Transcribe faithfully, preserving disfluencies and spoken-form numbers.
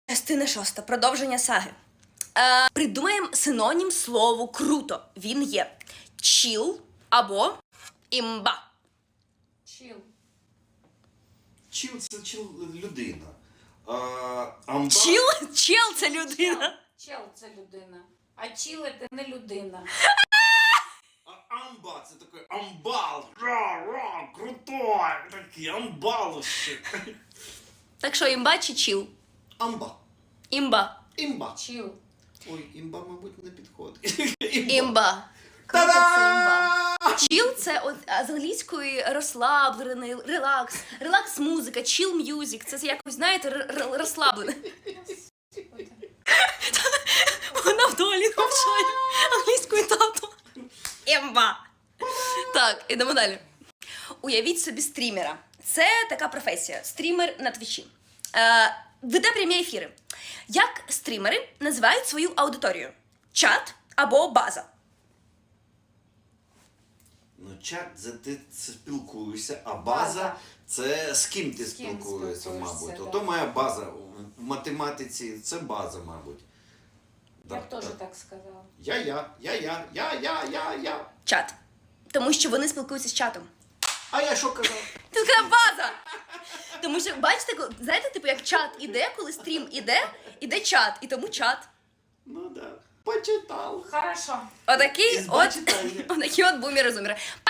Частина шоста. Продовження саги. Е, придумаємо синонім слову круто. Він є чіл або імба. Чіл. Чіл це чіл людина. А, амба... Чіл? Чел це людина. Чел це людина. А чіл це не людина. А амба це такий амбал. Ра, ра, крутой. Такий амбал ще. Так що імба чи чіл? Амба. Імба. Імба. Чіл. Ой, імба, мабуть, не підходить. Імба. Круто, це імба. Чіл це от, а, з англійської розслаблений, релакс, релакс-музика, чіл м'юзик. Це якось, знаєте, р- р- розслаблене. Вона в долі навчає англійською тату. Імба. Так, ідемо далі. Уявіть собі стрімера. Це така професія. Стрімер на твічі. Е, веде прямі ефіри. Як стрімери називають свою аудиторію? Чат або база? Ну, чат це ти спілкуєшся, а база, База. це з ким ти З ким спілкуєшся, спілкуєшся, мабуть. да. Ото моя база в математиці, це база, мабуть. Я б Так, теж так. так сказала. Я, я, я, я, я, я, я, я. Чат. Тому що вони спілкуються з чатом. А я що казав? Це така база. Тому що, бачите, коли- знаєте, типу, як чат іде, коли стрім іде, іде чат, і тому чат. Ну да, почитав. Хорошо. Отакий Із от, бачитання. отакі от бумери-зумери.